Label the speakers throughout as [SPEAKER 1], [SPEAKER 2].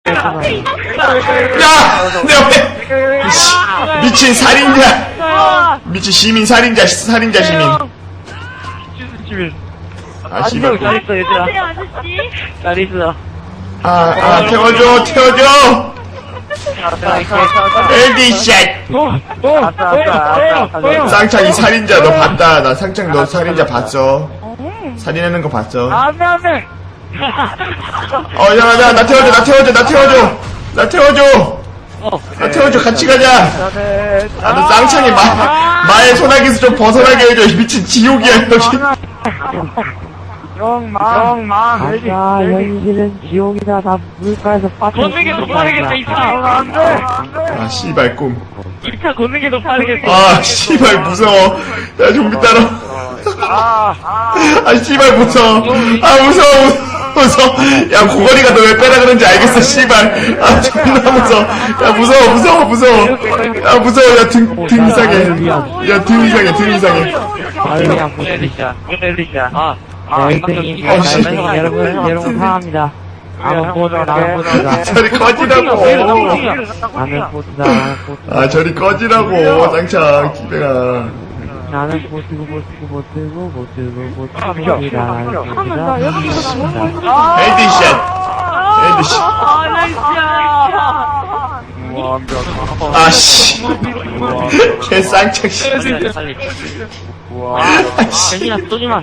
[SPEAKER 1] 야! 내 옆에! 미친 살인자! 미친 시민 살인자 시민. 아, 씨발.
[SPEAKER 2] 잘 있어, 얘들아.
[SPEAKER 3] 안녕하세요, 아저씨.
[SPEAKER 2] 잘 있어.
[SPEAKER 1] 태워줘! LD 샷! 쌍창이 살인자 너 봤다. 나 쌍창 너 살인자 봤어. 살인하는 거 봤어.
[SPEAKER 2] 안 돼.
[SPEAKER 1] 야, 나 태워줘. 나 태워줘. 같이 가자. 나는 쌍창이 마의 소나기에서 좀 벗어나게 해줘. 미친 지옥이야, 여기.
[SPEAKER 2] 영망.
[SPEAKER 4] 아, 여기는 지옥이다. 나 물가에서 빠져.
[SPEAKER 2] 걷는 게 더 빠르겠다, 이 차. 안 돼.
[SPEAKER 1] 아, 씨발, 꿈.
[SPEAKER 2] 이 차 걷는 게 더 빠르겠어.
[SPEAKER 1] 아, 씨발, 무서워. 야, 좀비 따라. 아, 씨발, 무서워. 아, 무서워. 야, 고거리가 너 왜 빼라 그런지 알겠어, 씨발. 아, 존나 무서워. 야, 무서워. 야, 무서워. 야, 등 이상해. 야, 등 이상해.
[SPEAKER 4] 아유야,
[SPEAKER 2] 엘리샤.
[SPEAKER 4] 여러분 사랑합니다. 나는 보자.
[SPEAKER 1] 저리 꺼지라고.
[SPEAKER 4] 나는 보자.
[SPEAKER 1] 아, 저리 꺼지라고, 쌍창, 기배가.
[SPEAKER 4] 나는 보트고.
[SPEAKER 1] 헤드샷. 아, 씨. 개 쌍창, 씨.
[SPEAKER 2] 현진아 쏘지마.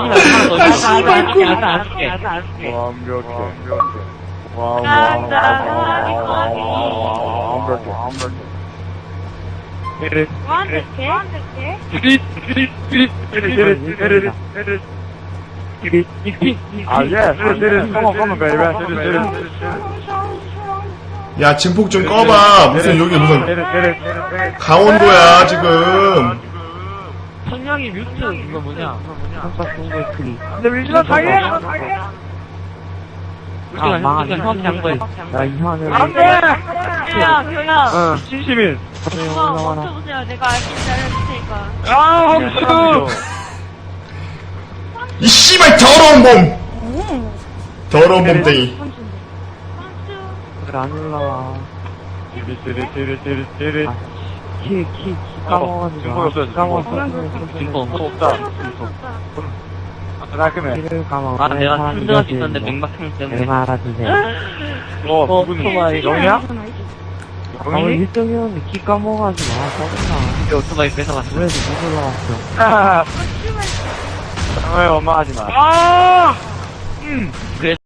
[SPEAKER 1] 야, 증폭 좀 꺼봐. 무슨 강원도야, 지금.
[SPEAKER 2] 성냥이 뮤트 이거 뭐냐?
[SPEAKER 4] 아, 망한 나 이상한
[SPEAKER 3] 교양.
[SPEAKER 2] 진심인.
[SPEAKER 3] 멈춰보세요. 내가 알겠지 알려줄 테니까.
[SPEAKER 1] 이 씨발, 더러운 bom땡이.
[SPEAKER 4] 안 올라와. 키 까먹었는데. 키를 까먹어.
[SPEAKER 2] 내가 힘들할 수 있었는데 맹박형 때문에.
[SPEAKER 4] 내가 알아주세요.
[SPEAKER 2] 오토바이 영이야?
[SPEAKER 4] 우리 1등이었는데 키 까먹어가지고 짜증나.
[SPEAKER 2] 오토바이 뺏어갔어.
[SPEAKER 4] 그래도 못 올라왔어.
[SPEAKER 2] 정말 엄마 하지 마. 그래.